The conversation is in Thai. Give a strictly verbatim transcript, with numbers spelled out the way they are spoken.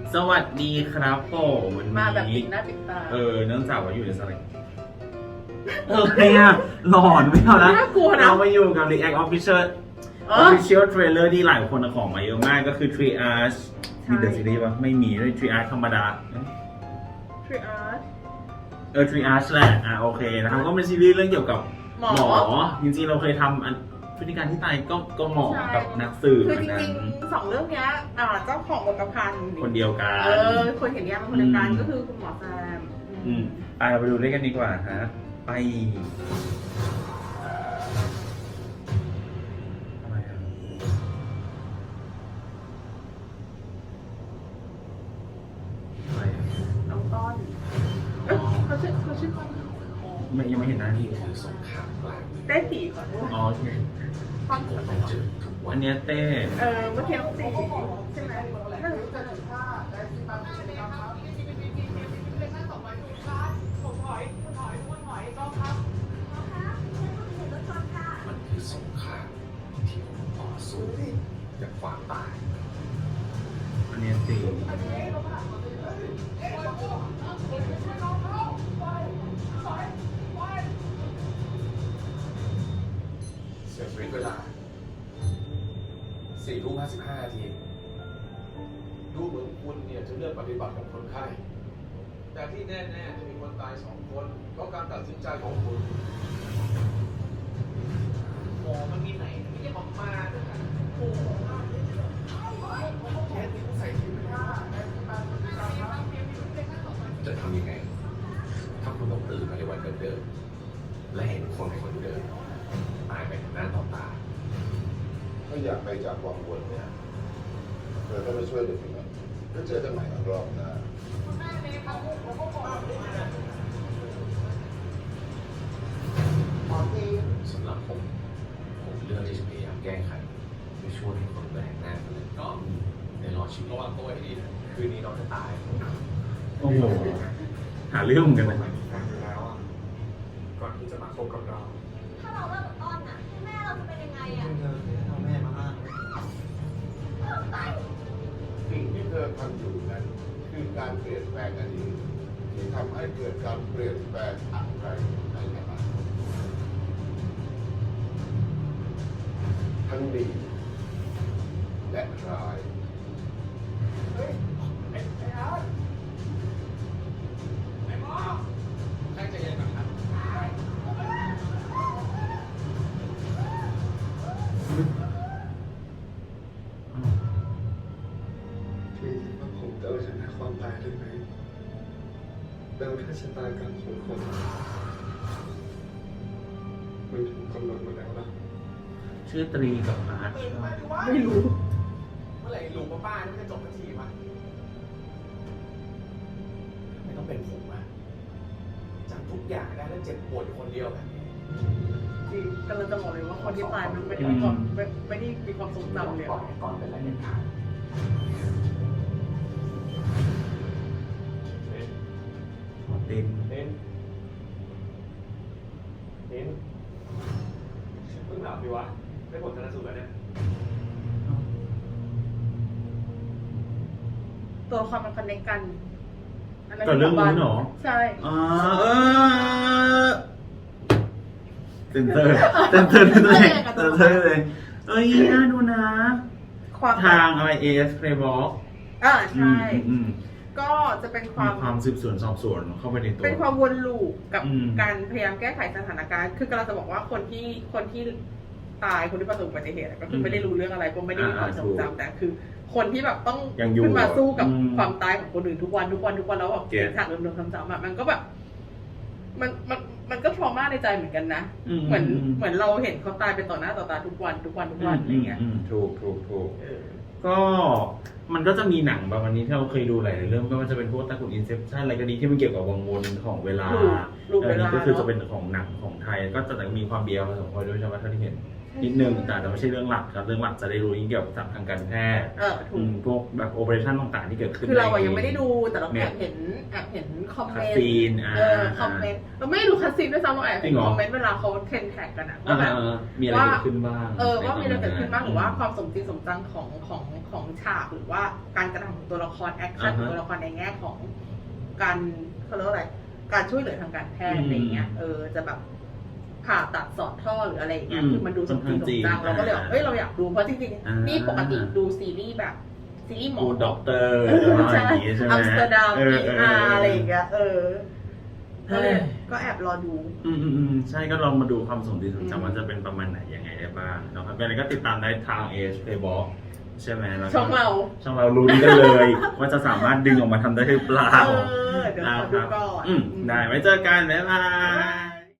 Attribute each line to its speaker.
Speaker 1: สวัสดีครับผมวันนี้
Speaker 2: มาแบบปิดหน้าปิดตา
Speaker 1: เออเนื่องจากว่าอยู่ในสถานเออเนี่ยหลอนไม่เอาละ
Speaker 2: น่ากลัวนะ
Speaker 1: เรามาอยู่กับ React Official
Speaker 2: เออ
Speaker 1: Official Trailer ที่หลายคนเอาของมาเยอะมากก็คือ Triage มีเดอะซีรีส์ปะไม่มีด้วย Triage ธรรมดา
Speaker 2: ทรีอาร์ต
Speaker 1: เออ Triage แหละอ่ะโอเคนะครับก็เป็นซีรีส์เรื่องเกี่ยวกับ
Speaker 2: หมอ
Speaker 1: จริงๆเราเคยทำอันพฤติการที่ตายก็ก็หมอ
Speaker 2: ใช่
Speaker 1: กับนักสืบ
Speaker 2: คือ
Speaker 1: อั
Speaker 2: จ
Speaker 1: นนั้
Speaker 2: ริ
Speaker 1: น
Speaker 2: งๆสองเรื่องเนี้ยอ่าเจ้าของบทประพันธ์
Speaker 1: คนเดียวกัน
Speaker 2: เออคนเขียนนิยายเป็นคนเดียวกัน
Speaker 1: อืม
Speaker 2: ก็คือคุณหมอแซม
Speaker 1: อืมอ่ะเราไปดูเล่นกันดีกว่าฮะไปทำไมอ่ะทำไมอ่ะ
Speaker 2: น้องต้นเอ้ยเขาชื่อเขาชื่อต้น
Speaker 1: ไม่ยังไม่เห็นหน้าที่
Speaker 3: คือสงครามกลางเมือง
Speaker 2: เต้ตีก่อนด้วย
Speaker 1: อ๋อใช่
Speaker 2: ต้น
Speaker 3: ผมไปเจอทุกวั
Speaker 1: อั
Speaker 3: น
Speaker 1: นเนี้ยเต้
Speaker 2: เออเมื่อกี้น้องตีใช่ไหมนั่น
Speaker 3: มันคือสงครามที่ผมต่อสู้กับความตาย
Speaker 1: อันเนี้ยตี
Speaker 3: เสียชีวิตเวลาสี่ทุ่มห้าสิบห้านาทีดูเหมือนคุณเนี่ยจะเลือกปฏิบัติกับคนไข้ แต่ที่แน่ๆจะมีคนตายสองคนเพราะการตัดสินใจของคุณ
Speaker 4: หมอมันมีไหนไม่ใช่ของมาด้วยนะโอ้โห
Speaker 3: เคสนี้ต้องใส่ที่ไม่ได้จะทำยังไง ถ้าคุณต้องตื่นมาในวันเดิมๆและเห็นคนคนเดิมตายไปต่อหน้าต่อตา
Speaker 5: ถ้าอยากไปจากวังวนเนี่ยเราต้องไปช่วยเด็กหน่อยก็เจอกันใหม่อีกรอบหน้า
Speaker 3: สำหรับผม ผมเลือกที่จะพยายามแก้ไขเพื่อช่วยให้คนแปลกหน้าคนนั้นก็ได้รอดชีวิตระวังตัวให้ดีนะคืนนี้น้องจะตาย
Speaker 1: โอ้โหหาเรื่องเหมือนกันนะ
Speaker 3: ฟังอยู่แล้วอ่ะก่อนที่จะมาคบกับเรา
Speaker 6: ถ้าเราเลิกกับต้นน่ะแม่เราจะเป็นยังไงอ่ะ
Speaker 4: เอาแม่มาอ้าง
Speaker 5: สิ่งที่เธอทำอยู่นั้นคือการเปลี่ยนแปลงอดีตที่ทำให้เกิดการเปลี่ยนแปลงอะไรในอนาคตทั้งดีและร้าย
Speaker 3: ใครจะยังไงครับ
Speaker 7: พี่คิดว่าผมจะเอาชนะความตายได้ไหมแล้วถ้าชะตากรรมของคนมันถูกกำหนดมาแล้วล่ะ
Speaker 1: ชื่อตรีกับอาร์ตใช่ไหม
Speaker 2: ไม่รู้
Speaker 4: เมื่อไหร่ลุงป้าป้านี่มันจะจบสักทีวะ
Speaker 3: ไม่ต้องเป็นผมอ่ะ
Speaker 4: จำทุกอย่างได้แล้วเจ็บปวดอยู่คนเดียวแบบนี้
Speaker 2: จริงกำลังจะบอกเลยว่าคนที่ตายมันไม่ได้มีความไม่ไม่ได้มีความทรงจำเลย
Speaker 3: ก่อนก่อนเป็นอะไรเด็ดขาด
Speaker 1: ติน
Speaker 4: เน้นเน้นเพิ่งหลับดีวะได้ผลชนสูตรแล้วเนี่ย
Speaker 2: ตัวละครมันคอนเนคกันนนั้น
Speaker 1: ก่อนเรื่องนู้นเหรอ
Speaker 2: ใช่
Speaker 1: อ่าเออเซนเตอร์เซนเตอร์เลยเซนเตอร์เลยเอ้ยน่าดูนะ
Speaker 2: ความ
Speaker 1: ทางอะไร เอ เอส Playbox
Speaker 2: อ่าใช่
Speaker 1: อืม
Speaker 2: ก็จะเป็นค
Speaker 1: มี
Speaker 2: วาม
Speaker 1: ความสืบสวนสอบสวนเข้าไปในตัว
Speaker 2: เป็นความวนลูปกับ
Speaker 1: อืม
Speaker 2: การพยายามแก้ไขสถานการณ์ คือกำลังจะบอกว่าคนที่คนที่ตายคนที่ประสบอุบัติเหตุอะก็คือไม่ได้รู้เรื่องอะไรก็ไม่ได้มีความทรงจำแต่คือ คนที่แบบต้อง
Speaker 1: ยังอยู่
Speaker 2: ขึ้นมาสู้กับ
Speaker 1: อืม
Speaker 2: ความตายของคนอื่นทุกวันทุกวันทุกวันแล้วแบบ
Speaker 1: เก็ต
Speaker 2: ฉากเดิมๆซ้ำๆอะมันก็แบบ มันมันมันก็ทรมาในใจเหมือนกันนะ
Speaker 1: อืม
Speaker 2: เหมือน
Speaker 1: อืม
Speaker 2: เหมือนเราเห็นเขาตายไปต่อหน้าต่อตาทุกวันทุกวันทุกวันอะไรเงี้ย
Speaker 1: มมถูกถูกถูก
Speaker 2: เออ
Speaker 1: ก็มันก็จะมีหนังแบบวันนี้ที่เราเคยดูหลายๆเรื่องไม่ว่าจะเป็นพวกตระกูลอินเซปชั่นอะไรก็ดีที่มันเกี่ยวกับวังวนของเวลา
Speaker 2: ลูปลูป
Speaker 1: เออ
Speaker 2: เวลา
Speaker 1: นี่ก็คือจะ
Speaker 2: เนอะ
Speaker 1: เป็นของหนังของไทย ก็จะมีความเบียร์ผสมพอด้วยใช่ไหมเท่าที่เห็นนิดนึงแต่แต่ไม่ใช่เรื่องหลักครับเรื่องหลักจะได้รู้เกี่ยวกับทางการแพทย์
Speaker 2: เออถู
Speaker 1: อื
Speaker 2: ก
Speaker 1: มพวกแบบโอเปอเรชั่นต่างๆที่เกิดขึ้น
Speaker 2: คือเราอะ
Speaker 1: ใน
Speaker 2: ยังไม่ได้ดูแต่เราแอบเห็นแอบเห็นคอมเม
Speaker 1: คัส
Speaker 2: นต์
Speaker 1: ซีนอ่า
Speaker 2: เออคอมเมนต์เราไม่ได้ดูคัสซีนด้วยซ้ำเราแอบ
Speaker 1: จริ
Speaker 2: เห็น
Speaker 1: งเหรอ
Speaker 2: คอมเมนต์เวลาเขาเทรนแท็กกันอะ
Speaker 1: อ่า
Speaker 2: ว่าแบบ
Speaker 1: อ่ามีอะไรเกิดขึ้นบ้าง
Speaker 2: เออว่ามีอะไรเกิดขึ้นบ้างหรือว่า
Speaker 1: อืม
Speaker 2: ความสมจริงสมจังของของของฉากหรือว่าการกระทำของตัวละครแอคชั่น
Speaker 1: อ่า
Speaker 2: ของ
Speaker 1: ฮะ
Speaker 2: ตัวละครในแง่ของการเขาเรียกว่าอะไรการช่วยเหลือทางการแพทย์
Speaker 1: อืม
Speaker 2: อะไรเงี้ยเออจะแบบผ่าตัดสอดท่อหรืออะไรอย่างเงี้ย
Speaker 1: อืม
Speaker 2: คือมันดูสมจริงสมจัง
Speaker 1: ค่อนข้างจริง
Speaker 2: เราก็เลยแบบเอ้ยเราอยากดูเพราะจริง
Speaker 1: อ่า
Speaker 2: ๆ
Speaker 1: นี่
Speaker 2: นี่ปกติดูซีรีส์แบบซีรีส์หมอ
Speaker 1: กูด็อกเตอร์
Speaker 2: เออ
Speaker 1: อะไร
Speaker 2: ใช่
Speaker 1: อย่างงี้ใช่ไหม
Speaker 2: อัมสเตอร์ดัม
Speaker 1: เอ
Speaker 2: พี
Speaker 1: อเออ
Speaker 2: อาร์อะไรอย่างเงี้ยเออก็เลย
Speaker 1: เฮ้ย
Speaker 2: ก็แอบรอดู
Speaker 1: อืมอืมอืมใช่ก็ลองมาดูความสมจริงสมจัง
Speaker 2: อืม
Speaker 1: ว่าจะเป็นประมาณไหนยังไงได้บ้างนะครับเป็นอะไรก็ติดตามได้ทางเอชเพย์บอลใช่ไหมแล้วก็
Speaker 2: ช่องเรา
Speaker 1: ช่องเรารู้กันเลย ว่าจะสามารถดึงออกมาทำได้หรือเปล่า
Speaker 2: เออเดี๋ยวขอดูก่อน
Speaker 1: อืมได้ไว้เจอกัน บ๊ายบาย